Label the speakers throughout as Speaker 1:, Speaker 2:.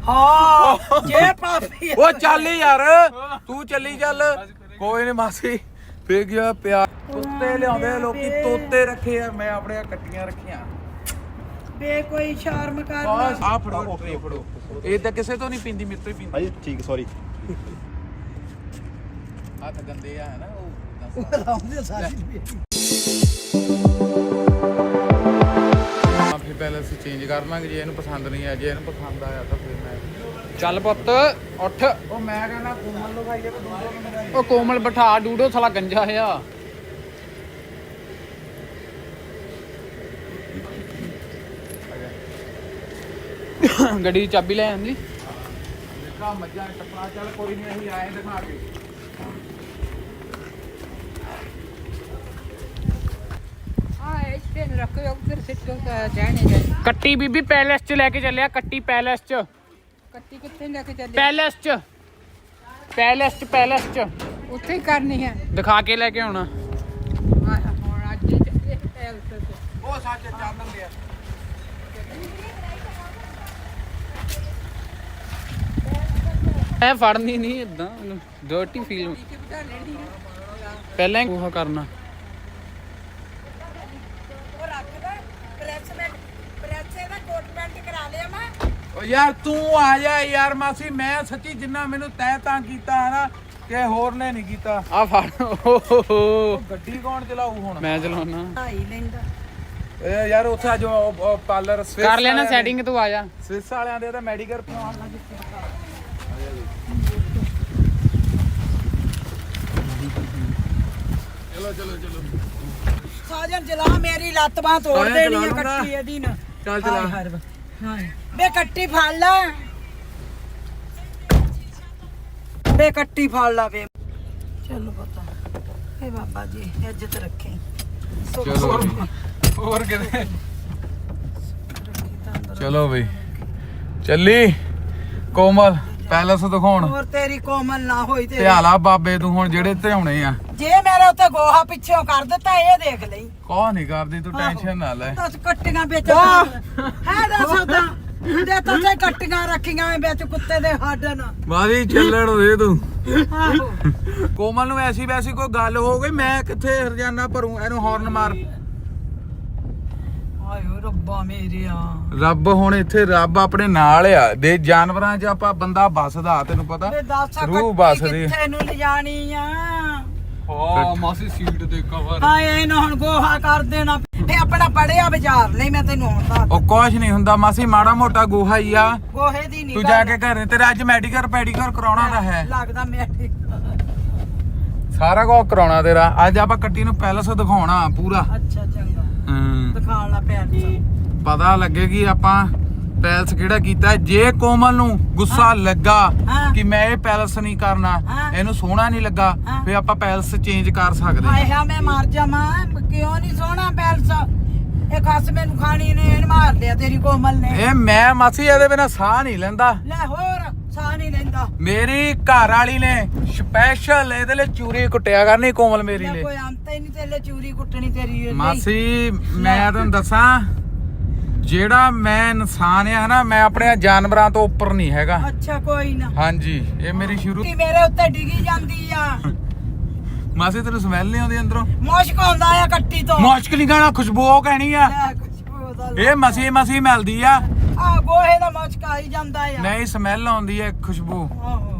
Speaker 1: ਹਾਂ ਜੇ ਭਾਬੀ
Speaker 2: ਉਹ ਚੱਲ ਯਾਰ ਤੂੰ ਚੱਲੀ ਚੱਲ ਕੋਈ ਨਹੀਂ ਮਾਸੀ ਫੇਰ ਗਿਆ ਪਿਆਰ ਕੁੱਤੇ ਲਿਆਉਂਦੇ ਲੋਕੀ ਤੋਤੇ ਰੱਖੇ ਆ ਮੈਂ ਆਪਣੇ ਕੱਟੀਆਂ ਰੱਖੀਆਂ
Speaker 1: ਬੇ ਕੋਈ ਸ਼ਰਮ ਕਰ
Speaker 2: ਬਸ ਆ ਫੜੋ ਟਰੇ ਫੜੋ ਇਹ ਤਾਂ ਕਿਸੇ ਤੋਂ ਨਹੀਂ ਪੀਂਦੀ ਮੇਰੇ ਤੋਂ ਹੀ ਪੀਂਦੀ
Speaker 3: ਹਾਂਜੀ ਠੀਕ ਸੌਰੀ
Speaker 2: ਹੱਥ ਗੰਦੇ ਆ ਹੈ ਨਾ
Speaker 1: ਉਹ ਲਾਉਂਦੇ ਸਾਰੀ
Speaker 2: ਫਿਰ ਪਹਿਲਾਂ ਅਸੀਂ ਚੇਂਜ ਕਰ ਲਾਂਗੇ ਜੇ ਇਹਨੂੰ ਪਸੰਦ ਨਹੀਂ ਆ ਜੇ ਇਹਨੂੰ ਪਸੰਦ ਆਇਆ ਤਾਂ ਫਿਰ ਮੈਂ
Speaker 4: ਚੱਲ ਪੁੱਤ ਉੱਠ
Speaker 2: ਉਹ ਮੈਂ ਕਹਿੰਦਾ ਕੋਮਲ ਨੂੰ ਖਾਈਏ ਤੇ ਦੂਜੇ ਨੂੰ ਖਾਈਏ
Speaker 4: ਉਹ ਕੋਮਲ ਬਿਠਾ ਡੂਡੋ ਸਾਲਾ ਗੰਜਾ ਆ ਗੱਡੀ ਦੀ ਚਾਬੀ ਲੈ ਆਂਦੀ
Speaker 2: ਦੇਖਾ ਮੱਝਾਂ ਟੱਪਾ ਚੱਲ ਕੋਈ ਨਹੀਂ ਅਸੀਂ ਆਏ ਦਿਖਾ ਕੇ
Speaker 4: ਕੱਟੀ ਬੀਬੀ ਪੈਲੇਸ ਚ ਲੈ ਕੇ ਚੱਲਿਆ ਕੱਟੀ ਪੈਲੇਸ ਚ
Speaker 1: ਕੱਟੀ ਕਿੱਥੇ ਲੈ ਕੇ ਚੱਲੇ
Speaker 4: ਪੈਲੇਸ ਚ ਪੈਲੇਸ ਚ
Speaker 1: ਉੱਥੇ ਹੀ ਕਰਨੀ ਹੈ
Speaker 4: ਦਿਖਾ ਕੇ ਲੈ ਕੇ ਆਉਣਾ
Speaker 1: ਹੁਣ ਅੱਜ ਹੀ ਚੱਲੇ
Speaker 2: ਉਹ ਸੱਚ ਚਾਨਣ ਲਿਆ
Speaker 4: ਐ ਫੜਨੀ ਨਹੀਂ ਇਦਾਂ ਡਰਟੀ ਫੀਲ ਪਹਿਲਾਂ ਹੀ ਉਹ ਕਰਨਾ
Speaker 1: ਉਹ ਰੱਖਦਾ ਪ੍ਰੈਸ ਦਾ ਕੋਟ ਪੈਂਟ ਕਰਾ ਲਿਆ ਮੈਂ
Speaker 2: ਓ ਯਾਰ ਤੂੰ ਆ ਜਾ ਯਾਰ ਮਾਸੀ ਮੈਂ ਸੱਚੀ ਜਿੰਨਾ ਮੈਨੂੰ ਤੈਅ ਤਾਂ ਕੀਤਾ ਹੈ ਨਾ ਕਿ ਹੋਰ ਨੇ ਨਹੀਂ ਕੀਤਾ
Speaker 4: ਆ ਫੜ
Speaker 2: ਉਹ ਗੱਡੀ ਕੌਣ ਚਲਾਊ ਹੁਣ
Speaker 4: ਮੈਂ ਚਲਾਉਣਾ
Speaker 1: ਢਾਈ ਲੈਂਦਾ
Speaker 2: ਇਹ ਯਾਰ ਉੱਥੇ ਅੱਜ ਪਾਰਲਰ
Speaker 4: ਕਰ ਲੈਣਾ ਸੈਟਿੰਗ ਤੂੰ ਆ ਜਾ
Speaker 2: ਸਵਿਸ ਵਾਲਿਆਂ ਦੇ ਤਾਂ ਮੈਡੀਕਲ ਪਵਾਉਣ ਲੱਗ ਚਲੋ
Speaker 1: ਸਾਜਨ ਜਲਾ ਮੇਰੀ ਲੱਤ ਬਾਹ ਤੋੜ
Speaker 2: ਸਾਜਨ
Speaker 1: ਦੇਣੀ ਹੈ
Speaker 2: ਜਲਾ ਲੂੰਗਾ।
Speaker 1: ਕੱਟੀ ਇਹਦੀ ਨਾ
Speaker 2: ਚੱਲ ਚਲਾ
Speaker 1: ਹਾਂ ਬੇ ਕੱਟੀ ਫੜ ਲੈ ਬੇ ਕੱਟੀ ਫੜ ਲਾ ਵੇ ਚਲੋ ਪਤਾ ਇਹ ਬਾਬਾ ਜੀ ਇੱਜ਼ਤ ਰੱਖੇ
Speaker 2: ਚਲੋ ਹੋਰ ਕਿਤੇ ਚਲੋ ਬਈ ਚੱਲੀ ਕੋਮਲ ਪੈਲਸ ਦਿਖਾਉਣ
Speaker 1: ਹੋਰ ਤੇਰੀ ਕੋਮਲ ਨਾ ਹੋਈ ਤੇ
Speaker 2: ਧਿਆਲਾ ਬਾਬੇ ਤੂੰ ਹੁਣ ਜਿਹੜੇ ਧਿਆਉਣੇ ਆ
Speaker 1: ਜੇ ਮੇਰੇ ਉੱਤੇ ਗੋਹਾ ਪਿੱਛੋਂ ਕਰ ਦਿੱਤਾ ਇਹ ਦੇਖ ਲਈ
Speaker 2: ਕੋਹ ਨਹੀਂ ਕਰਦੀ ਤੂੰ ਟੈਨਸ਼ਨ ਨਾ ਲੈ
Speaker 1: ਦੱਸ ਕੱਟੀਆਂ ਵਿੱਚ ਹੈ ਦੱਸ ਉਦਾਂ ਦੇ ਤਾਂ ਤੇ ਕੱਟੀਆਂ ਰੱਖੀਆਂ ਐ ਵਿੱਚ ਕੁੱਤੇ ਦੇ ਹੱਡ ਨਾ
Speaker 2: ਬਾਦੀ ਚੱਲਣ ਦੇ ਤੂੰ
Speaker 1: ਆਹੋ
Speaker 2: ਕੋਮਲ ਨੂੰ ਐਸੀ ਵੈਸੀ ਕੋਈ ਗੱਲ ਹੋ ਗਈ ਮੈਂ ਕਿੱਥੇ ਹਰਜਾਨਾ ਭਰੂ ਇਹਨੂੰ ਹਾਰਨ ਮਾਰ
Speaker 1: ਆਇਓ ਰੱਬਾ ਮੇਰਿਆ
Speaker 2: ਰੱਬ ਹੁਣ ਇੱਥੇ ਰੱਬ ਆਪਣੇ ਨਾਲ ਆ ਦੇ ਜਾਨਵਰਾਂ 'ਚ ਆਪਾਂ ਬੰਦਾ ਵੱਸਦਾ ਤੈਨੂੰ ਪਤਾ
Speaker 1: ਵੇ ਦੱਸ
Speaker 2: ਰੂਹ
Speaker 1: ਕੱਟੀ
Speaker 2: ਵੱਸਦੀ
Speaker 1: ਕਿੱਥੇ ਨੂੰ ਲਿਜਾਣੀ ਆ
Speaker 4: ਹਾਂ ਮਾਸੀ ਸੀਟ ਦੇ ਕਵਰ
Speaker 1: ਹਾਏ ਇਹਨੂੰ ਹੁਣ ਗੋਹਾ ਕਰ ਦੇਣਾ ਫੇ ਆਪਣਾ ਪੜਿਆ ਬਾਜ਼ਾਰ ਲਈ ਮੈਂ ਤੈਨੂੰ ਹੁਣ ਦੱਸ
Speaker 2: ਉਹ ਕੁਛ ਨਹੀਂ ਹੁੰਦਾ ਮਾਸੀ ਮਾੜਾ ਮੋਟਾ ਗੋਹਾ ਹੀ ਆ
Speaker 1: ਗੋਹੇ ਦੀ ਨਹੀਂ
Speaker 2: ਤੂੰ ਜਾ ਕੇ ਘਰੇ ਤੇਰਾ ਅੱਜ ਮੈਡੀਕਲ ਪੈਡੀਕਲ ਕਰਾਉਣਾ ਤਾਂ ਹੈ
Speaker 1: ਲੱਗਦਾ ਮੈਂ
Speaker 2: ਸਾਰਾ ਕੁਝ ਕਰਾਉਣਾ ਤੇਰਾ ਅੱਜ ਆਪਾਂ ਕੱਟੀ ਨੂੰ ਪੈਲਸ ਦਿਖਾਉਣਾ ਪੂਰਾ
Speaker 1: ਅੱਛਾ ਚੰਗਾ
Speaker 2: ਹੂੰ
Speaker 1: ਦਿਖਾਣ ਲਾ ਪੈਰ
Speaker 2: ਪਤਾ ਲੱਗੇਗੀ ਆਪਾਂ ਪੈਲਸ ਕਿਹੜਾ ਕੀਤਾ ਜੇ ਕੋਮਲ ਨੂੰ ਗੁੱਸਾ ਲੱਗਾ
Speaker 1: ਹਾਂ।
Speaker 2: ਕਿ ਮੈਂ ਇਹ ਪੈਲਸ ਨਹੀਂ ਕਰਨਾ
Speaker 1: ਹਾਂ।
Speaker 2: ਇਹਨੂੰ ਸੋਹਣਾ ਨਹੀਂ ਲੱਗਾ
Speaker 1: ਹਾਂ।
Speaker 2: ਫੇ ਆਪਾਂ ਪੈਲਸ ਚੇਂਜ ਕਰ ਸਕਦੇ
Speaker 1: ਹਾਏ ਹਾਂ ਮੈਂ ਮਰ ਜਾਵਾਂ ਕਿਉਂ ਨਹੀਂ ਸੋਹਣਾ ਪੈਲਸ ਇਹ ਖਸ ਮੈਨੂੰ ਖਾਣੀ ਨੇ ਇਹਨ ਮਾਰ ਲਿਆ ਤੇਰੀ ਕੋਮਲ ਨੇ
Speaker 2: ਇਹ ਮੈਂ ਮਾਸੀ ਇਹਦੇ ਬਿਨਾ ਸਾਹ ਨਹੀਂ ਲੈਂਦਾ
Speaker 1: ਲੈ ਹੋਰ ਸਾਹ ਨਹੀਂ ਲੈਂਦਾ
Speaker 2: ਮੇਰੀ ਘਰ ਵਾਲੀ ਨੇ ਸਪੈਸ਼ਲ ਇਹਦੇ ਲਈ ਚੂਰੀ ਕੁੱਟਿਆ ਕਰਨੀ ਕੋਮਲ ਮੇਰੀ
Speaker 1: ਲੈ
Speaker 2: ਲਈ
Speaker 1: ਕੋਈ ਅੰਤ ਹੀ ਨਹੀਂ ਤੇਰੇ ਚੂਰੀ ਕੁੱਟਣੀ ਤੇਰੀ ਲਈ।
Speaker 2: ਮਾਸੀ ਮੈਂ ਤੁਹਾਨੂੰ ਦੱਸਾਂ ਜਿਹੜਾ ਮੈਂ ਇਨਸਾਨ ਆ ਨਾ ਮੈਂ ਆਪਣੇ ਜਾਨਵਰਾਂ ਤੋਂ ਉੱਪਰ ਨਹੀਂ ਹੈਗਾ
Speaker 1: ਅੱਛਾ ਕੋਈ ਨਾ
Speaker 2: ਹਾਂਜੀ ਇਹ ਮੇਰੀ ਸ਼ੁਰੂ
Speaker 1: ਕੀ ਮੇਰੇ ਉੱਤੇ ਡਿੱਗੀ ਜਾਂਦੀ ਆ
Speaker 2: ਮਾਸੀ ਤੈਨੂੰ ਸਮੈਲ ਨਹੀਂ ਆਉਂਦੀ ਅੰਦਰੋਂ
Speaker 1: ਮੁਸ਼ਕ ਆਉਂਦਾ ਆ ਕੱਟੀ ਤੋਂ
Speaker 2: ਮੁਸ਼ਕ ਨਹੀਂ ਕਹਿਣਾ ਖੁਸ਼ਬੂ ਉਹ ਕਹਿਣੀ ਆ
Speaker 1: ਲੈ ਖੁਸ਼ਬੂ ਦਾ
Speaker 2: ਇਹ ਮਸੀ ਮਿਲਦੀ ਆ
Speaker 1: ਆ ਗੋਹੇ ਦਾ ਮੁਸ਼ਕ ਆਈ ਜਾਂਦਾ ਆ
Speaker 2: ਨਹੀਂ ਸਮੈਲ ਆਉਂਦੀ ਹੈ ਖੁਸ਼ਬੂ
Speaker 1: ਆਹੋ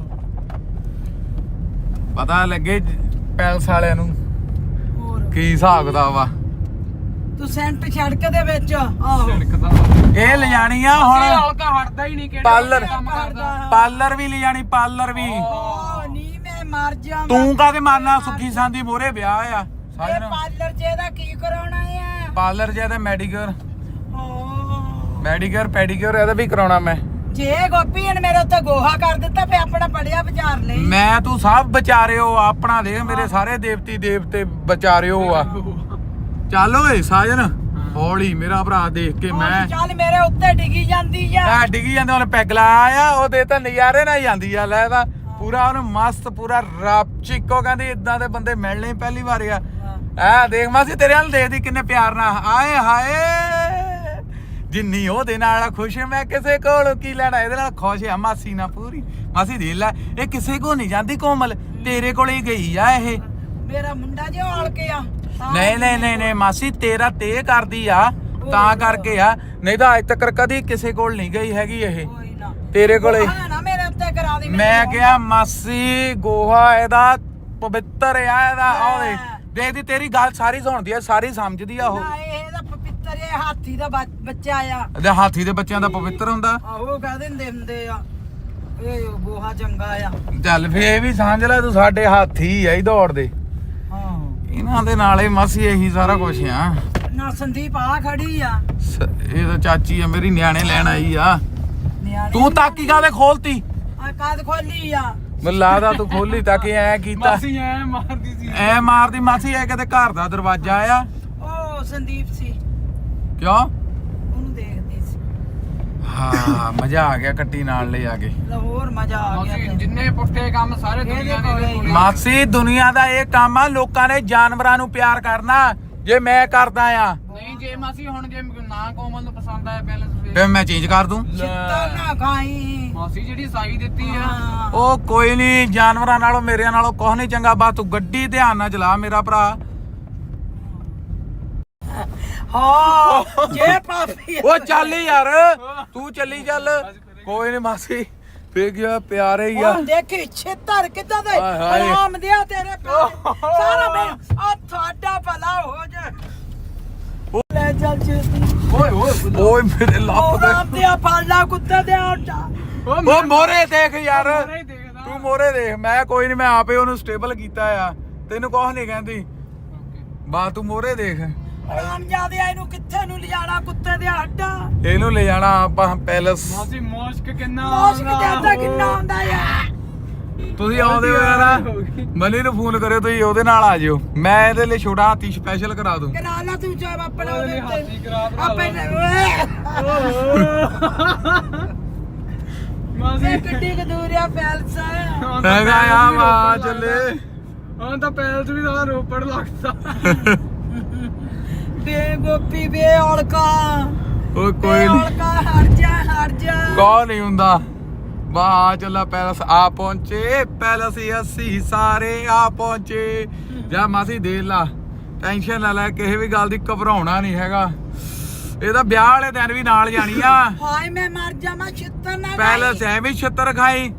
Speaker 2: ਪਤਾ ਲੱਗੇ ਪੈਲਸ ਵਾਲਿਆਂ ਨੂੰ
Speaker 1: ਹੋਰ
Speaker 2: ਕੀ ਹਿਸਾਬ ਕਿਤਾਬ ਵਾ
Speaker 1: ਤੂੰ ਸੈਂਟ ਸੜਕ ਦੇ ਵਿੱਚ ਆਹੋ
Speaker 2: ਇਹ ਲਿਜਾਣੀ ਆ ਹੁਣ
Speaker 4: ਹਲਕਾ ਹਟਦਾ ਹੀ ਨਹੀਂ ਕਿਹੜਾ
Speaker 2: ਪਾਰਲਰ
Speaker 4: ਕੰਮ ਕਰਦਾ
Speaker 2: ਪਾਰਲਰ ਵੀ ਲਿਜਾਣੀ ਪਾਰਲਰ ਵੀ
Speaker 1: ਓ ਨਹੀਂ ਮੈਂ ਮਰ ਜਾਵਾਂ
Speaker 2: ਤੂੰ ਕਾਹਦੇ ਮਾਰਨਾ ਸੁੱਖੀ ਸਾਂਦੀ ਮੋਰੇ ਵਿਆਹ ਆ
Speaker 1: ਇਹ
Speaker 2: ਸਾਜਨ
Speaker 1: ਪਾਰਲਰ ਚ ਇਹਦਾ ਕੀ ਕਰਾਉਣਾ ਆ
Speaker 2: ਪਾਰਲਰ ਜੇ ਤੇ ਮੈਡੀਕਲ
Speaker 1: ਓ
Speaker 2: ਮੈਡੀਕਲ ਪੈਡੀਕਲ ਇਹਦਾ ਵੀ ਕਰਾਉਣਾ ਮੈਂ
Speaker 1: ਜੇ ਗੋਪੀ ਨੇ ਮੇਰੇ ਉੱਤੇ ਗੋਹਾ ਕਰ ਦਿੱਤਾ ਫੇ ਆਪਣਾ ਪੜਿਆ ਵਿਚਾਰ ਲਈ
Speaker 2: ਮੈਂ ਤੂੰ ਸਭ ਵਿਚਾਰਿਓ ਆਪਣਾ ਦੇਖ ਮੇਰੇ ਸਾਰੇ ਦੇਵਤੀ ਦੇਵਤੇ ਵਿਚਾਰਿਓ ਆ ਚੱਲ ਓਏ ਸਾਜਨ ਹੌਲੀ ਮੇਰਾ ਭਰਾ ਦੇਖ ਕੇ ਮੈਂ
Speaker 1: ਚੱਲ ਮੇਰੇ ਉੱਤੇ ਡਿੱਗੀ ਜਾਂਦੀ ਆ
Speaker 2: ਆ ਡਿੱਗੀ ਜਾਂਦੇ ਉਹਨੇ ਪੈਗ ਲਾਇਆ ਉਹਦੇ ਤਾਂ ਨਜ਼ਾਰੇ ਨਾਲ ਜਾਂਦੀ ਆ ਲੈ ਤਾਂ ਪੂਰਾ ਉਹਨੂੰ ਮਸਤ ਪੂਰਾ ਰੱਬ ਚਿੱਕੋ ਕਹਿੰਦੀ ਇਦਾਂ ਦੇ ਬੰਦੇ ਮਿਲਣੇ ਪਹਿਲੀ ਵਾਰ ਆ ਆ ਦੇਖ ਮਾਸੀ ਤੇਰੇ ਨਾਲ ਦੇਖਦੀ ਕਿੰਨੇ ਪਿਆਰ ਨਾਲ ਆਏ ਹਾਏ ਜਿੰਨੀ ਉਹਦੇ ਨਾਲ ਖੁਸ਼ ਮੈਂ ਕਿਸੇ ਕੋਲੋਂ ਕੀ ਲੈਣਾ ਇਹਦੇ ਨਾਲ ਖੁਸ਼ ਆ ਮਾਸੀ ਨਾਲ ਪੂਰੀ ਮਾਸੀ ਦੇਖ ਲੈ ਇਹ ਕਿਸੇ ਕੋ ਨਹੀਂ ਜਾਂਦੀ ਕੋਮਲ ਤੇਰੇ ਕੋਲੇ ਹੀ ਗਈ ਆ ਇਹ
Speaker 1: ਮੇਰਾ ਮੁੰਡਾ ਜੇ ਔਲ ਕੇ ਆ
Speaker 2: ਨਹੀਂ ਮਾਸੀ ਤੇਰਾ ਤੇ ਕਰਦੀ ਆ ਤਾਂ ਕਰਕੇ ਆ ਨਹੀਂ ਤਾਂ ਅੱਜ ਤੱਕ ਕਦੀ ਕਿਸੇ ਕੋਲ ਨਹੀਂ ਗਈ ਹੈਗੀ ਇਹ
Speaker 1: ਕੋਈ ਨਾ
Speaker 2: ਤੇਰੇ ਕੋਲੇ
Speaker 1: ਨਾ ਮੇਰੇ ਉੱਤੇ ਕਰਾ ਦੇ
Speaker 2: ਮੈਂ ਕਿਹਾ ਮਾਸੀ ਗੋਹਾ ਇਹਦਾ ਪਵਿੱਤਰ ਆ ਇਹਦਾ ਆਹ ਦੇਖਦੀ ਤੇਰੀ ਗੱਲ ਸਾਰੀ ਸੁਣਦੀ ਆ ਸਾਰੀ ਸਮਝਦੀ ਆ ਉਹ
Speaker 1: ਇਹਦਾ ਪਵਿੱਤਰ ਇਹ ਹਾਥੀ ਦਾ ਬੱਚਾ ਆ
Speaker 2: ਇਹਦੇ ਹਾਥੀ ਦੇ ਬੱਚਿਆਂ ਦਾ ਪਵਿੱਤਰ ਹੁੰਦਾ
Speaker 1: ਆਹੋ ਕਹਿ ਦਿੰਦੇ ਹੁੰਦੇ ਆ ਇਹ ਗੋਹਾ ਚੰਗਾ ਆ
Speaker 2: ਚੱਲ ਫੇ ਇਹ ਵੀ ਸਮਝ ਲੈ ਤੂੰ ਸਾਡੇ ਹਾਥੀ ਆ ਹੀ ਦੌੜਦੇ
Speaker 1: ਹਾਂ
Speaker 2: ਇਹਨਾਂ ਦੇ ਨਾਲ ਹੀ ਮਾਸੀ ਇਹੀ ਸਾਰਾ ਕੁਝ ਆ
Speaker 1: ਨਾ ਸੰਦੀਪ ਆ ਖੜੀ ਆ
Speaker 2: ਇਹ ਤਾਂ ਚਾਚੀ ਆ ਮੇਰੀ ਨਿਆਣੇ ਲੈਣ ਆਈ ਆ
Speaker 1: ਨਿਆਣੇ
Speaker 2: ਤੂੰ ਤਾਕੀ ਕਾਦੇ ਖੋਲਤੀ
Speaker 1: ਆ ਕਾਦ ਖੋਲੀ ਆ
Speaker 2: ਮੈਨੂੰ ਲੱਗਦਾ ਤੂੰ ਖੋਲੀ ਤਾਂ ਕਿ ਐ ਕੀਤਾ
Speaker 4: ਮਾਸੀ ਐ ਮਾਰਦੀ ਸੀ
Speaker 2: ਐ ਮਾਰਦੀ ਮਾਸੀ ਐ ਕਿਤੇ ਘਰ ਦਾ ਦਰਵਾਜ਼ਾ ਆ
Speaker 1: ਉਹ ਸੰਦੀਪ ਸੀ
Speaker 2: ਕਿਉਂ
Speaker 1: ਉਹਨੂੰ ਦੇਖਦੀ ਸੀ
Speaker 2: ਹਾਂ ਮਜ਼ਾ ਆ ਗਿਆ ਕੱਟੀ ਨਾਲ ਲੈ ਆ ਕੇ
Speaker 1: ਲਾਹੌਰ ਮਜ਼ਾ ਆ ਗਿਆ
Speaker 4: ਮਾਸੀ ਜਿੰਨੇ ਪੁੱਠੇ ਕੰਮ ਸਾਰੇ ਦੁਨੀਆ ਨੇ ਇਹਦੇ ਕੋਲੇ।
Speaker 2: ਮਾਸੀ ਦੁਨੀਆ ਦਾ ਇਹ ਕੰਮ ਆ ਲੋਕਾਂ ਨੇ ਜਾਨਵਰਾਂ ਨੂੰ ਪਿਆਰ ਕਰਨਾ ਜੇ ਮੈਂ ਕਰਦਾ ਆ
Speaker 4: ਨਹੀਂ ਜੇ ਮਾਸੀ ਹੁਣ ਜੇ ਨਾ ਕੋਮਲ ਨੂੰ ਪਸੰਦ ਆਇਆ ਪਹਿਲਾਂ
Speaker 2: ਫਿਰ ਮੈਂ ਚੇਂਜ ਕਰ ਦੂੰ
Speaker 1: ਚਿੱਟਾ ਨਾ ਖਾਈ
Speaker 4: ਮਾਸੀ ਜਿਹੜੀ ਸਾਈ ਦਿੱਤੀ ਆ
Speaker 1: ਹਾਂ
Speaker 2: ਉਹ ਕੋਈ ਨਹੀਂ ਜਾਨਵਰਾਂ ਨਾਲੋਂ ਮੇਰੇ ਨਾਲੋਂ ਕੁਛ ਨਹੀਂ ਚੰਗਾ ਬਸ ਤੂੰ ਗੱਡੀ ਧਿਆਨ ਨਾਲ ਚਲਾ ਮੇਰਾ ਭਰਾ
Speaker 1: ਹਾਂ ਜੇ ਪਾਪੀ
Speaker 2: ਉਹ ਚੱਲ ਯਾਰ ਤੂੰ ਚੱਲੀ ਚੱਲ ਕੋਈ ਨਹੀਂ ਮਾਸੀ ਫੇਰ ਗਿਆ ਪਿਆਰੇ ਹੀ ਆ
Speaker 1: ਉਹ ਦੇਖੀ ਛੇਤਰ ਕਿੱਦਾਂ ਦਾ
Speaker 2: ਹਾਏ ਹਾਏ।
Speaker 1: ਆਰਾਮ ਦਿਆ ਤੇਰੇ ਪਿਓ ਸਾਰਾ ਮੈਂ ਆ ਤੁਹਾਡਾ ਭਲਾ ਹੋ ਜਾ ਲੈ ਚੱਲ ਛੇਤੀ
Speaker 2: ਓਏ ਮੇਰੇ ਲੱਪ
Speaker 1: ਉਹ
Speaker 2: ਦੇ
Speaker 1: ਰਾਮ ਦਿਆ ਫਾਲਾ ਕੁੱਤੇ ਦੇ ਆਟਾ
Speaker 2: ਉਹ ਮੋਰੇ ਦੇਖ ਯਾਰ
Speaker 4: ਨਹੀਂ ਦੇਖਦਾ
Speaker 2: ਤੂੰ ਮੋਰੇ ਦੇਖ ਮੈਂ ਕੋਈ ਨਹੀਂ ਮੈਂ ਆਪੇ ਉਹਨੂੰ ਸਟੇਬਲ ਕੀਤਾ ਆ ਤੈਨੂੰ ਕੁਛ ਨਹੀਂ ਕਹਿੰਦੀ ਬਾ ਤੂੰ ਮੋਰੇ ਦੇਖ
Speaker 1: ਰਾਮ ਜਾਦੇ ਇਹਨੂੰ ਕਿੱਥੇ ਨੂੰ ਲਿਜਾਣਾ ਕੁੱਤੇ ਦੇ ਆਟਾ
Speaker 2: ਇਹਨੂੰ ਲੈ ਜਾਣਾ ਆਪਾਂ ਪੈਲਸ
Speaker 4: ਮਾਸੀ ਮੋਸ਼ਕ ਕਿੰਨਾ
Speaker 1: ਮੋਸ਼ ਕਿੱਦਾਂ ਕਿੰਨਾ ਹੁੰਦਾ ਆ
Speaker 2: ਤੁਸੀਂ ਆਉਂਦੇ ਹੋ ਯਾਰ ਮਨੀ ਨੂੰ ਫੋਨ ਕਰਿਓ ਤੁਸੀਂ ਉਹਦੇ ਨਾਲ ਆ ਜਿਓ ਮੈਂ ਇਹਦੇ ਲਈ ਛੋਟਾ ਹਾਥੀ ਸਪੈਸ਼ਲ ਕਰਾ ਦੂੰ
Speaker 1: ਕਰਾ ਲਾ ਤੂੰ ਚਾਹ ਆਪਣਾ
Speaker 4: ਉਹਦੇ ਹਾਥੀ ਕਰਾ ਭਰਾ
Speaker 1: ਆਪੇ
Speaker 4: ਮਾਸੀ
Speaker 1: ਕਿੱਡੀ ਕੁ ਦੂਰ ਆ ਪੈਲਸ
Speaker 2: ਹੈਗਾ ਆ ਵਾ ਚੱਲੇ
Speaker 4: ਹੁਣ ਤਾਂ ਪੈਲਸ ਵੀ ਸਾਰਾ ਰੋਪੜ ਲੱਗਦਾ
Speaker 1: ਬੇ ਗੋਪੀ ਬੇ ਔਲਕਾ
Speaker 2: ਓਏ
Speaker 1: ਬੇ
Speaker 2: ਕੋਈ ਨਹੀਂ
Speaker 1: ਔਲਕਾ ਹਟ ਜਾ
Speaker 2: ਕੌਣ ਨਹੀਂ ਹੁੰਦਾ ਵਾਹ ਚੱਲਾ ਪੈਲਸ ਆ ਪਹੁੰਚੇ ਪੈਲਸ ਹੀ ਅਸੀਂ ਸਾਰੇ ਆ ਪਹੁੰਚੇ ਜਾ ਮਾਸੀ ਦੇਖ ਲਾ ਟੈਨਸ਼ਨ ਨਾ ਲੈ ਕਿਸੇ ਵੀ ਗੱਲ ਦੀ ਘਬਰਾਉਣਾ ਨਹੀਂ ਹੈਗਾ ਇਹਦਾ ਵਿਆਹ ਵਾਲੇ ਦਿਨ ਵੀ ਨਾਲ ਜਾਣੀ ਆ
Speaker 1: ਹਾਏ ਮੈਂ ਮਰ ਜਾਵਾਂ ਛਿੱਤਰ ਨਾ
Speaker 2: ਪੈਲਸ ਐਵੇਂ ਛਿੱਤਰ ਖਾਈ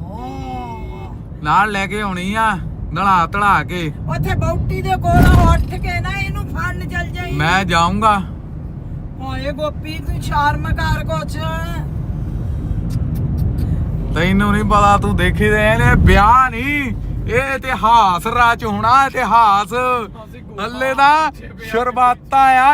Speaker 2: ਨਾਲ ਲੈ ਕੇ ਆਉਣੀ ਆ ਨਲਾ ਧੜਾ ਕੇ
Speaker 1: ਉੱਥੇ ਬੌਟੀ ਦੇ ਕੋਲ ਉੱਠ ਕੇ ਨਾ ਇਹਨੂੰ ਫੜਨ ਚੱਲ ਜਾਈ
Speaker 2: ਮੈਂ ਜਾਊਂਗਾ
Speaker 1: ਹਾਏ ਗੋਪੀ ਤੂੰ ਸ਼ਰਮ ਕਰ ਕੁਛ
Speaker 2: ਤੈਨੂੰ ਨਹੀਂ ਪਤਾ ਤੂੰ ਦੇਖੀ ਦੇ ਨੇ ਵਿਆਹ ਨਹੀਂ ਇਹ ਇਤਿਹਾਸ ਰਚ ਹੋਣਾ ਇਤਿਹਾਸ ਹੱਲੇ ਦਾ ਸ਼ੁਰੂਆਤਾਂ ਆ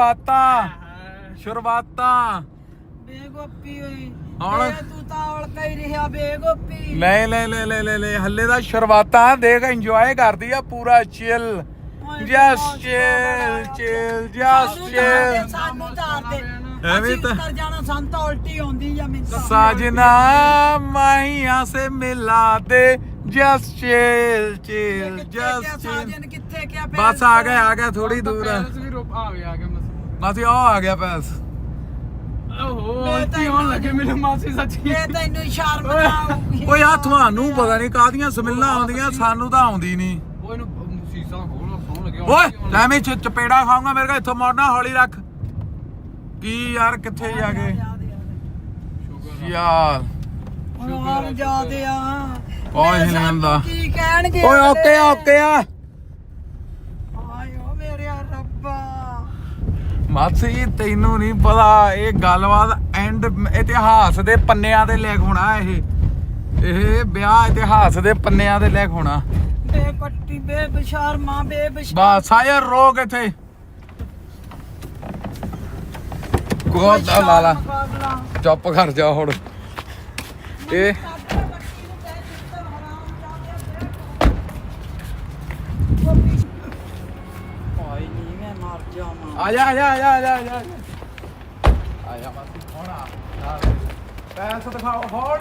Speaker 2: ਸ਼ੁਰੂਆਤਾਂ
Speaker 1: ਬੇ ਗੋਪੀ ਓਏ
Speaker 2: ਹੁਣ-
Speaker 1: ਤੂੰ ਤਾਂ ਔਲਕਾ ਹੀ ਰਿਹਾ ਬੇ ਗੋਪੀ
Speaker 2: ਲੈ ਹੱਲੇ ਦਾ ਸ਼ੁਰੂਆਤਾਂ ਦੇਖ ਇੰਜੋਏ ਕਰਦੀ ਆ ਪੂਰਾ ਚਿਲ ਜਸਟ ਚਿਲ
Speaker 1: ਸਾਨੂੰ ਤਾਰ ਦੇ
Speaker 2: ਐਵੇਂ ਤਾਂ
Speaker 1: ਉੱਤਰ ਜਾਣਾ ਸਾਨੂੰ ਤਾਂ ਉਲਟੀ ਆਉਂਦੀ ਆ ਮੈਨੂੰ ਤਾਂ।
Speaker 2: साजना माहिया से मिला दे जस्ट चिल चिल
Speaker 1: ਕਿੱਥੇ
Speaker 2: जस्ट
Speaker 1: ਗਿਆ
Speaker 2: चिल
Speaker 1: ਸਾਜਨ ਕਿੱਥੇ ਗਿਆ
Speaker 2: बस आ गया थोड़ी दूर है
Speaker 4: ਪੈਲਸ ਵੀ ਰੋਪ ਆ ਗਿਆ ਮਾਸੀ
Speaker 2: बस ये आ गया पैस
Speaker 4: ਓਹੋ ਕੀ ਹੋਣ ਲੱਗੇ ਮੈਨੂੰ ਮਾਸੀ ਸੱਚੀ
Speaker 1: ਇਹ ਤੈਨੂੰ ਸ਼ਰਮ ਨਾ ਆਊਗੀ
Speaker 2: ਓਏ ਆ ਤੁਹਾਨੂੰ ਪਤਾ ਨਹੀਂ ਕਾਦੀਆਂ ਸਮਿਲਾਂ ਆਉਂਦੀਆਂ ਸਾਨੂੰ ਤਾਂ ਆਉਂਦੀ ਨਹੀਂ
Speaker 4: ਉਹ ਇਹਨੂੰ ਸੀਸਾ ਖੋਲ ਸੌਣ ਲੱਗਿਆ
Speaker 2: ਓਏ ਲੈ ਮੈਂ ਚਪੇੜਾ ਖਾਊਂਗਾ ਮੇਰੇ ਕੋਲ ਇੱਥੋਂ ਮੋੜਨਾ ਹੌਲੀ ਰੱਖ ਕੀ ਯਾਰ ਕਿੱਥੇ ਜਾ ਕੇ ਯਾਰ
Speaker 1: ਹੁਣ ਜਾਦੇ ਆ
Speaker 2: ਓਏ ਹਿਲਦਾ
Speaker 1: ਕੀ ਕਹਿਣਗੇ
Speaker 2: ਓਏ ਓਕੇ ਆ
Speaker 1: ਆਇਓ ਮੇਰੇ ਰੱਬਾ
Speaker 2: ਮਾਸੀ ਤੈਨੂੰ ਨਹੀਂ ਪਤਾ ਇਹ ਗੱਲਬਾਤ ਐਂਡ ਇਤਿਹਾਸ ਦੇ ਪੰਨਿਆਂ ਤੇ ਲਿਖ ਹੋਣਾ ਇਹ ਵਿਆਹ ਇਤਿਹਾਸ ਦੇ ਪੰਨਿਆਂ ਤੇ ਲਿਖ ਹੋਣਾ
Speaker 1: ਬੇ ਕੱਟੀ ਬੇ ਬਸ਼ਰਮਾ ਬੇ
Speaker 2: ਬਸ ਆਇਆ ਰੋਕ ਇੱਥੇ ਕੋਦਾ ਲਾਲਾ ਚੁੱਪ ਕਰ ਜਾ ਹੁਣ ਇਹ
Speaker 1: ਕੋਈ ਨਹੀਂ ਮੈਂ ਮਰ ਜਾਵਾਂ
Speaker 2: ਆ ਜਾ ਮਾਸੀ ਹੋਣਾ ਪੈਸੇ ਦਿਖਾਓ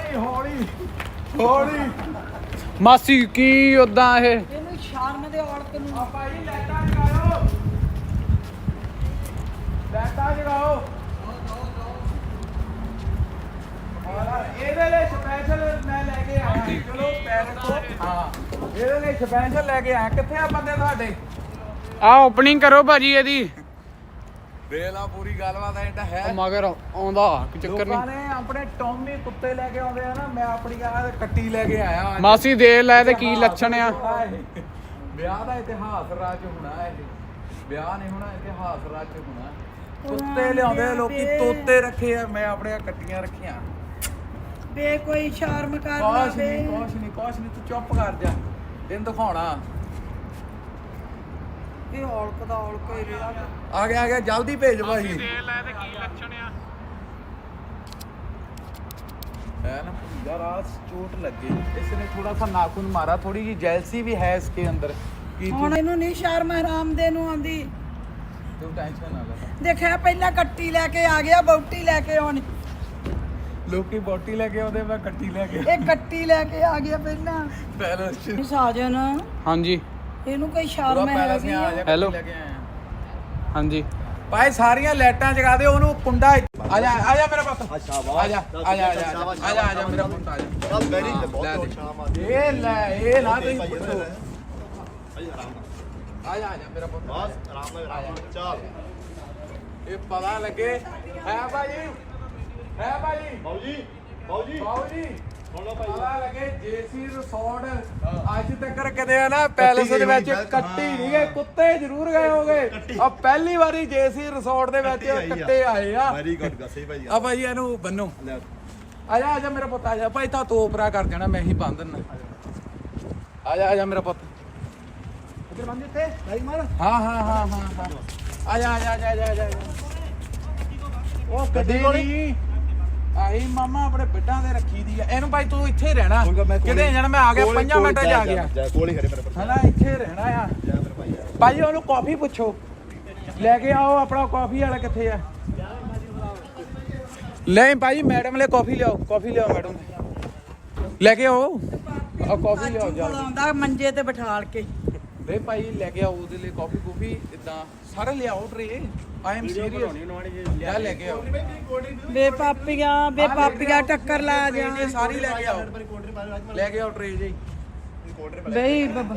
Speaker 2: ਹੌਲੀ
Speaker 4: ਮਾਸੀ ਕੀ ਉਦਾਂ ਇਹ
Speaker 1: ਇਹਨੂੰ ਸ਼ਰਮ ਦੇ ਔਲਕ ਨੂੰ
Speaker 2: ਆ ਭਾਈ ਲਾਈਟਾਂ ਜਗਾਓ ਇਹਦੇ ਲਈ ਸਪੈਸ਼ਲ ਮੈਂ ਲੈ ਕੇ ਆਇਆ ਚਲੋ ਪੈਰ ਤੋਂ ਹਾਂ ਇਹਦੇ ਲਈ ਸਪੈਸ਼ਲ ਲੈ ਕੇ ਆਇਆ ਕਿੱਥੇ ਆ ਬੰਦੇ ਤੁਹਾਡੇ
Speaker 4: ਆ ਓਪਨਿੰਗ ਕਰੋ ਭਾਜੀ ਇਹਦੀ
Speaker 2: ਵੇਲਾ ਪੂਰੀ ਗੱਲਬਾਤ ਹੈ ਇਹਦਾ ਹੈ
Speaker 4: ਮਗਰ ਆਉਂਦਾ ਕੋਈ ਚੱਕਰ
Speaker 2: ਲੋਕਾਂ
Speaker 4: ਨਹੀਂ
Speaker 2: ਨੇ ਆਪਣੇ ਟੌਮੀ ਕੁੱਤੇ ਲੈ ਕੇ ਆਉਂਦੇ ਆ ਨਾ ਮੈਂ ਆਪਣੀ ਆ ਕੱਟੀ ਲੈ ਕੇ ਆਇਆ ਅੱਜ।
Speaker 4: ਮਾਸੀ ਦੇ ਲੈ ਤੇ ਕੀ ਲੱਛਣ ਆ
Speaker 2: ਵਿਆਹ ਦਾ ਇਤਿਹਾਸ ਰਚ ਹੋਣਾ ਇਹ ਵਿਆਹ ਨਹੀਂ ਹੋਣਾ ਇਤਿਹਾਸ ਰਚ ਹੋਣਾ ਕੁੱਤੇ ਲਿਆਉਂਦੇ ਲੋਕੀ ਤੋਤੇ ਰੱਖੇ ਆ ਮੈਂ ਆਪਣੇ ਕੱਟੀਆਂ ਰੱਖੀਆਂ
Speaker 1: ਬੇ ਕੋਈ ਸ਼ਰਮ ਕਰ
Speaker 2: ਕੁਛ
Speaker 1: ਲਾਵੇ
Speaker 2: ਨਹੀਂ ਤੂੰ ਚੁੱਪ ਕਰ ਜਾ ਤੈਨੂੰ ਦਿਖਾਉਣਾ
Speaker 1: ਇਹ ਔਲਕ ਦਾ ਔਲਕ ਹੀ ਰਿਹਾ
Speaker 2: ਆ ਗਿਆ ਜਲਦੀ ਭੇਜ ਭਾਈ
Speaker 4: ਦੇ ਲੈ ਤੇ ਕੀ ਲੱਛਣ ਆ
Speaker 2: है ना यार आज चोट लग गई इसने थोड़ा सा नाखून मारा थोड़ी जी जेलसी भी है इसके अंदर कि
Speaker 1: ਹੁਣ ਇਹਨੂੰ ਨਹੀਂ ਸ਼ਰਮ ਹਰਾਮ ਦੇ ਨੂੰ ਆਂਦੀ
Speaker 2: तू टेंशन ना ले
Speaker 1: ਦੇਖਿਆ ਪਹਿਲਾਂ ਕੱਟੀ ਲੈ ਕੇ ਆ ਗਿਆ ਬੌਟੀ ਲੈ ਕੇ ਆਉਣੀ
Speaker 2: लोकी बोटी लेके आउंदे मैं कट्टी लेके
Speaker 1: ਇਹ ਕੱਟੀ ਲੈ ਕੇ ਆ ਗਿਆ ਪਹਿਲਾਂ
Speaker 2: पैलेस
Speaker 1: ਇਹ ਸਾਜਨ
Speaker 4: ਹਾਂਜੀ
Speaker 1: ਇਹਨੂੰ ਕੋਈ
Speaker 2: पूरा
Speaker 1: ਸ਼ਰਮ ਹੈ
Speaker 2: पैलेस में आ जा
Speaker 4: Hello.
Speaker 2: लेके आए
Speaker 4: ਹਾਂਜੀ
Speaker 2: भाई सारियां लाइटां जगा दे ओनू कुंडा आ जा मेरा पुत
Speaker 3: अच्छा
Speaker 2: आ जा मेरा पुत आ जा
Speaker 3: ਚੱਲ ਬੈਰੀ ਤੇ ਬਹੁਤ ਸ਼ਾਮ
Speaker 2: ये ना तुम
Speaker 3: ਭਾਈ
Speaker 2: पुछो
Speaker 3: ਭਾਈ ਆਰਾਮ ਨਾਲ
Speaker 2: आ जा मेरा पुत
Speaker 3: ਬਸ ਆਰਾਮ ਨਾਲ ਚੱਲ
Speaker 2: ये पता लगे है भाई
Speaker 3: ਬਾਊ ਜੀ ਬਾਊ ਜੀ
Speaker 2: ਬਾਊ ਜੀ
Speaker 3: ਸੁਣ ਲਓ ਭਾਈ
Speaker 2: ਪਤਾ ਲੱਗੇ ਜੇਸੀ ਰਿਸੋਰਟ ਅੱਜ ਤੱਕ ਕਦੇ ਆ ਨਾ ਪੈਲਸ ਦੇ ਵਿੱਚ ਕੱਟੀ ਨਹੀਂ ਗਏ ਕੁੱਤੇ ਜ਼ਰੂਰ ਗਏ ਹੋਗੇ ਆ ਪਹਿਲੀ ਵਾਰੀ ਜੇਸੀ ਰਿਸੋਰਟ ਦੇ ਵਿੱਚ ਕੱਟੇ ਆਏ ਆ
Speaker 3: ਵੈਰੀ ਗੁੱਡ ਗਸੇ ਭਾਈ
Speaker 2: ਆ ਭਾਈ ਇਹਨੂੰ ਬੰਨੋ
Speaker 3: ਲੈ
Speaker 2: ਆ ਜਾ ਮੇਰਾ ਪੁੱਤ ਆ ਜਾ ਭਾਈ ਤਾਂ ਤੋਪਰਾ ਕਰ ਦੇਣਾ ਮੈਂ ਹੀ ਬੰਨ ਦਿੰਨਾ ਆ ਜਾ ਮੇਰਾ ਪੁੱਤ ਇੱਧਰ ਬੰਨ ਦਿੱਤੇ ਭਾਈ ਮਾਰ ਹਾਂ ਆ ਜਾ ਉਹ ਗੱਡੀ ਨਹੀਂ ਆਹੀ ਮਾਮਾ ਆਪਣੇ ਬਿੱਡਾਂ ਦੇ ਰੱਖੀ ਦੀ ਆ ਇਹਨੂੰ ਭਾਈ ਤੂੰ ਇੱਥੇ ਹੀ ਰਹਿਣਾ ਕਿਤੇ ਜਾਣਾ ਮੈਂ ਆ ਗਿਆ 5 ਮਿੰਟਾਂ 'ਚ ਆ ਗਿਆ
Speaker 3: ਜਾ ਕੋਲ ਹੀ ਖੜੇ ਮੇਰੇ ਪਰ
Speaker 2: ਹਨਾ ਇੱਥੇ ਰਹਿਣਾ ਆ
Speaker 3: ਜਾ ਮੇਰੇ ਭਾਈ
Speaker 2: ਭਾਈ ਉਹਨੂੰ ਕਾਫੀ ਪੁੱਛੋ ਲੈ ਕੇ ਆਓ ਆਪਣਾ ਕਾਫੀ ਵਾਲਾ ਕਿੱਥੇ ਆ ਲੈ ਭਾਈ ਮੈਡਮ ਲਈ ਕਾਫੀ ਲਿਆਓ ਮੈਡਮ ਲੈ ਕੇ ਆਓ ਆ ਕਾਫੀ ਲਿਆਓ ਜਲਦੀ
Speaker 1: ਆਉਂਦਾ ਮੰਜੇ ਤੇ ਬਿਠਾਲ ਕੇ
Speaker 2: ਵੇ ਭਾਈ ਲੈ ਕੇ ਆਓ ਉਹਦੇ ਲਈ ਕਾਫੀ ਇਦਾਂ ਸਾਰੇ ਲਿਆਓ ਟਰੇ ਆਈ ਐਮ ਸੀਰੀਅਸ ਲੈ ਲੈ ਕੇ ਆਓ
Speaker 1: ਬੇ ਪਾਪੀਆਂ ਟੱਕਰ ਲਾ ਜਾ
Speaker 2: ਇਹ ਸਾਰੀ ਲੈ ਕੇ ਆਓ ਲੈ ਕੇ ਆਓ ਟਰੇ ਜੀ
Speaker 1: ਬਈ ਬੱਬਾ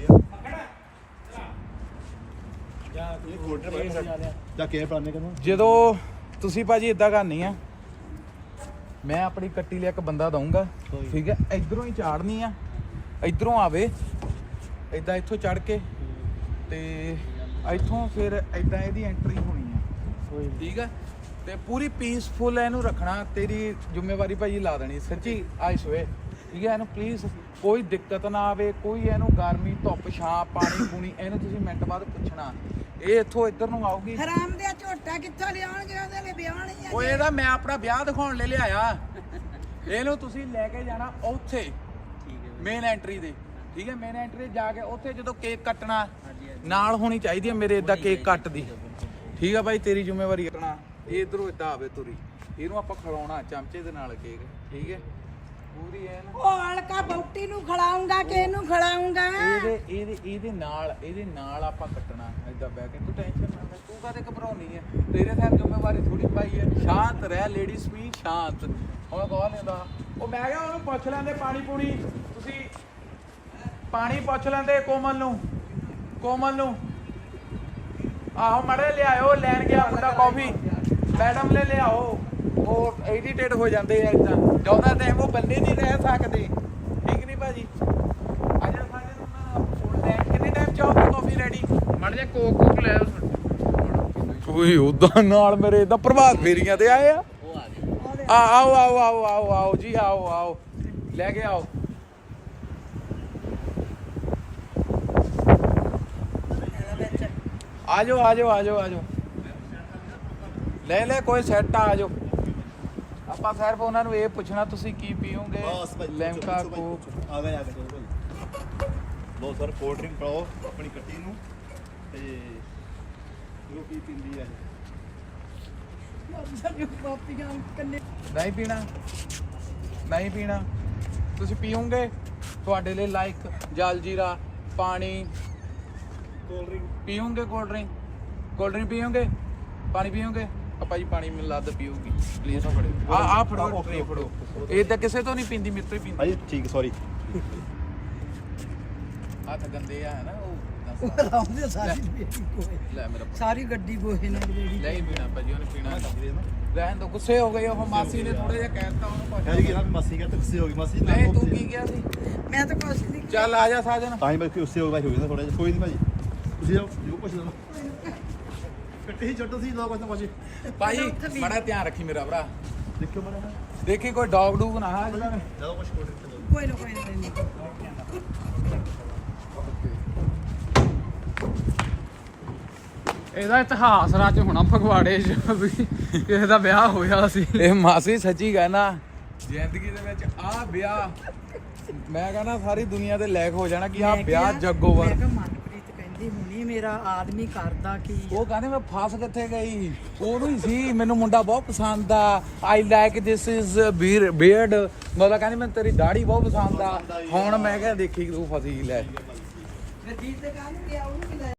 Speaker 3: ਜਾ ਕੇ ਪਲਾਨੇ ਕਰੋ
Speaker 2: ਜਦੋਂ ਤੁਸੀਂ ਭਾਜੀ ਇਦਾਂ ਕਰਨੀ ਆ ਮੈਂ ਆਪਣੀ ਕੱਟੀ ਲਈ ਇੱਕ ਬੰਦਾ ਦਊਂਗਾ ਠੀਕ ਹੈ ਇਧਰੋਂ ਹੀ ਚਾੜਨੀ ਆ ਇਧਰੋਂ ਆਵੇ ਇਦਾਂ ਇੱਥੋਂ ਚੜ ਕੇ ਤੇ ਇੱਥੋਂ ਫਿਰ ਇਦਾਂ ਇਹਦੀ ਐਂਟਰੀ ਹੋਣੀ ਆ ਠੀਕ ਹੈ ਤੇ ਪੂਰੀ ਪੀਸਫੁਲ ਇਹਨੂੰ ਰੱਖਣਾ ਤੇਰੀ ਜ਼ਿੰਮੇਵਾਰੀ ਭਾਜੀ ਲਾ ਦੇਣੀ ਸੱਚੀ ਆਈ ਸਵੇ ਠੀਕ ਹੈ ਇਹਨੂੰ ਪਲੀਜ਼ ਕੋਈ ਦਿੱਕਤ ਨਾ ਆਵੇ ਕੋਈ ਇਹਨੂੰ ਗਰਮੀ ਧੁੱਪ ਛਾਂ ਪਾਣੀ ਪੂਣੀ ਇਹਨੂੰ ਤੁਸੀਂ ਮਿੰਟ ਬਾਅਦ ਪੁੱਛਣਾ ਇਹ ਇੱਥੋਂ ਇੱਧਰ ਨੂੰ ਆਊਗੀ
Speaker 1: ਹਰਾਮ ਦੇ ਝੋਟਾ ਕਿੱਥੋਂ ਲਿਆਉਣਗੇ ਉਹਦੇ ਲਈ ਵਿਆਹ ਨਹੀਂ
Speaker 2: ਉਹ ਇਹਦਾ ਮੈਂ ਆਪਣਾ ਵਿਆਹ ਦਿਖਾਉਣ ਲਈ ਲਿਆਇਆ ਇਹਨੂੰ ਤੁਸੀਂ ਲੈ ਕੇ ਜਾਣਾ ਉੱਥੇ ਮੇਨ ਐਂਟਰੀ ਦੇ ਠੀਕ ਹੈ ਮੇਨ ਐਂਟਰੀ ਜਾ ਕੇ ਉੱਥੇ ਜਦੋਂ ਕੇਕ ਕੱਟਣਾ ਨਾਲ ਹੋਣੀ ਚਾਹੀਦੀ ਹੈ ਮੇਰੇ ਇਦਾਂ ਕੇਕ ਕੱਟਦੀ ਠੀਕ ਹੈ ਭਾਈ ਤੇਰੀ ਜ਼ਿੰਮੇਵਾਰੀ ਕੱਟਣਾ ਇਹ ਇਧਰੋਂ ਇਦਾਂ ਆਵੇ ਤੁਰੀ ਇਹਨੂੰ ਆਪਾਂ ਖਿਲਾਉਣਾ ਚਮਚੇ ਦੇ ਨਾਲ ਕੇਕ ਠੀਕ ਹੈ ਪੂਰੀ ਐ ਨਾ
Speaker 1: ਉਹ ਹਲਕਾ ਬੌਟੀ ਨੂੰ ਖਿਲਾਉਂਗਾ ਕਿ ਇਹਨੂੰ ਖਿਲਾਉਂਗਾ
Speaker 2: ਇਹਦੇ ਨਾਲ ਆਪਾਂ ਕੱਟਣਾ ਏਦਾਂ ਬਹਿ ਕੇ ਤੂੰ ਟੈਨਸ਼ਨ ਨਾ ਲੈ ਤੂੰ ਕਾਹਦੇ ਘਬਰਾਉਣੀ ਹੈ ਤੇਰੇ ਤੇ ਜ਼ਿੰਮੇਵਾਰੀ ਥੋੜੀ ਪਾਈ ਹੈ ਸ਼ਾਂਤ ਰਹਿ ਲੇਡੀਜ਼ ਵੀ ਸ਼ਾਂਤ ਹੁਣ ਕੌਣ ਲੈਂਦਾ ਉਹ ਮੈਂ ਕਿਹਾ ਉਹਨੂੰ ਪੁੱਛ ਲੈਂਦੇ ਪਾਣੀ ਪੂਣੀ ਤੁਸੀਂ ਪਾਣੀ ਪੁੱਛ ਲੈਂਦੇ ਕੋਮਲ ਨੂੰ ਆਹੋ ਮੜੇ ਲਿਆਇਓ ਲੈਣ ਗਿਆ ਮੁੰਡਾ ਕਾਫੀ ਮੈਡਮ ਲੈ ਲਿਆਓ ਉਹ ਐਡੀਟੇਟ ਹੋ ਜਾਂਦੇ ਆ ਇਦਾਂ ਜਿਆਦਾ ਟਾਈਮ ਉਹ ਬੰਦੇ ਨਹੀਂ ਰਹਿ ਸਕਦੇ ਠੀਕ ਨਹੀਂ ਭਾਜੀ ਆ ਜਾ ਸਾਡੇ ਨੂੰ ਫੋਨ ਲੈ ਕਿੰਨੇ ਟਾਈਮ ਚਾਹੋਗੇ ਕਾਫੀ ਰੈਡੀ
Speaker 4: ਮੜ ਜਾ ਕੋਕ ਲੈ
Speaker 2: ਓਏ ਉਦਾਂ ਨਾਲ ਮੇਰੇ ਇਦਾਂ ਪ੍ਰਭਾਤ ਫੇਰੀਆਂ ਤੇ ਆਏ ਆ ਆਓ ਜੀ ਆਓ ਲੈ ਕੇ ਆਓ ਆਜੋ ਲੈ ਕੋਈ ਸੈੱਟ ਆ ਜਾਓ ਆਪਾਂ ਸਿਰਫ ਉਹਨਾਂ ਨੂੰ ਇਹ ਪੁੱਛਣਾ ਤੁਸੀਂ ਕੀ ਪੀਓਗੇ
Speaker 3: ਬਸ ਭਾਈ
Speaker 2: ਲੈਮਕਾ ਕੋਕ
Speaker 3: ਆ ਗਏ ਚਲੋ ਭਾਈ ਲੋ ਸਰ ਕੋਲਡ ਡਰਿੰਕ ਪਾਓ ਆਪਣੀ ਕੱਟੀ ਨੂੰ ਤੇ ਜੋ ਕੀ ਪਿੰਦੀ ਹੈ
Speaker 1: ਪਾਪੀਆਂ ਕੰਨੇ
Speaker 2: ਨਹੀਂ ਪੀਣਾ ਤੁਸੀਂ ਪੀਓਗੇ ਤੁਹਾਡੇ ਲਈ ਲਾਈਕ ਜਲ ਜੀਰਾ ਪਾਣੀ
Speaker 3: ਕੋਲਡ ਡਰਿੰਕ
Speaker 2: ਪੀਓਗੇ ਕੋਲਡ ਡਰਿੰਕ ਪੀਓਗੇ ਪਾਣੀ ਪੀਓਗੇ ਭਾਜੀ ਪਾਣੀ ਮੈਨੂੰ ਲੱਦ ਪੀਊਗੀ ਪਲੀਜ਼ ਫੜਿਓ ਆ ਫੜੋ ਟਰੇ ਫੜੋ ਇਹ ਤਾਂ ਕਿਸੇ ਤੋਂ ਨਹੀਂ ਪੀਂਦੀ ਮੇਰੇ ਤੋਂ ਹੀ ਪੀਂਦੀ
Speaker 3: ਭਾਜੀ ਠੀਕ ਸੌਰੀ
Speaker 2: ਹੱਥ ਗੰਦੇ ਆ ਨਾ ਉਹ
Speaker 1: ਲਾਉਂਦੇ ਸਾਰੀ ਬੇਟੀ ਕੋਏ
Speaker 2: ਲੈ ਮੇਰਾ
Speaker 1: ਸਾਰੀ ਗੱਡੀ ਗੋਹੇ ਨਾਲ ਜਿਹੜੀ
Speaker 2: ਨਹੀਂ ਪੀਣਾ ਭਾਜੀ ਉਹਨੇ ਪੀਣਾ ਰਹਿਣ ਦੋ ਗੁੱਸੇ ਹੋ ਗਏ ਉਹ ਮਾਸੀ ਨੇ ਥੋੜਾ ਜਿਹਾ ਕਹਿਤਾ ਉਹਨੂੰ
Speaker 3: ਕਹਿ ਜੀ ਨਾ ਮਾਸੀ ਕਹਿੰਦੇ ਗੁੱਸੇ ਹੋ ਗਈ ਮਾਸੀ
Speaker 2: ਨਹੀਂ ਤੂੰ ਕੀ ਕਿਹਾ ਸੀ
Speaker 1: ਮੈਂ ਤਾਂ ਕੁਛ ਨਹੀਂ
Speaker 2: ਚੱਲ ਆ ਜਾ ਸਾਜਨ
Speaker 3: ਤਾਂ ਹੀ ਬਸ ਗੁੱਸੇ ਹੋ ਗਈ ਨਾ ਥੋੜਾ ਜਿਹਾ ਕੋਈ ਨਹੀਂ ਭਾਜੀ ਤੁਸੀਂ ਜਾਓ ਜੋ ਕੁਛ ਲੈਣਾ ਕੱਟੀ ਛੱਡੋ ਸੀ ਲਓ ਬਸ ਭਾਜੀ
Speaker 2: ਭਾਈ ਬੜਾ ਧਿਆਨ ਰੱਖੀ ਮੇਰਾ ਭਰਾ
Speaker 3: ਦੇਖਿਓ ਮਾੜਾ
Speaker 2: ਦੇਖੀ ਕੋਈ ਡੌਗ ਡੂਗ ਨਾ ਆ ਜਾਵੇ
Speaker 3: ਜਦੋਂ ਕੁਛ ਕੋਲ ਤੇ
Speaker 1: ਕੋਈ ਨਾ ਨਹੀਂ
Speaker 4: ਇਹਦਾ ਇਤਿਹਾਸ ਰਾਜ ਹੋਣਾ ਫਗਵਾੜੇ 'ਚ ਵੀ ਕਿਸੇ ਦਾ ਵਿਆਹ ਹੋਇਆ ਸੀ।
Speaker 2: ਇਹ ਮਾਸੀ ਸੱਚੀ ਕਹਿਣਾ ਜ਼ਿੰਦਗੀ ਦੇ ਵਿੱਚ ਆ ਵਿਆਹ ਮੈਂ ਕਹਿੰਦਾ ਸਾਰੀ ਦੁਨੀਆ ਦੇ ਲੈਕ ਹੋ ਜਾਣਾ ਕਿ ਆ ਵਿਆਹ ਜੱਗੋਵਰ
Speaker 1: ਮੈਂ ਕਿਹਾ ਮਨਪ੍ਰੀਤ ਕਹਿੰਦੀ ਹੁਣੀ ਮੇਰਾ ਆਦਮੀ ਕਰਦਾ ਕੀ
Speaker 2: ਉਹ ਕਹਿੰਦੇ ਮੈਂ ਫਸ ਕਿੱਥੇ ਗਈ ਉਹਨੂੰ ਹੀ ਸੀ ਮੈਨੂੰ ਮੁੰਡਾ ਬਹੁਤ ਪਸੰਦ ਆ I like this is beard ਮਤਲਬ ਕਹਿੰਦੀ ਮੈਨੂੰ ਤੇਰੀ ਦਾੜੀ ਬਹੁਤ ਪਸੰਦ ਆ ਹੁਣ ਮੈਂ ਕਿਹਾ ਦੇਖੀ ਤੂੰ ਫਸੀ ਲੈ
Speaker 1: ਫਿਰ ਜੀਤ ਦੇ ਕੰਮ ਗਿਆ ਉਹਨੂੰ ਵੀ ਲੈ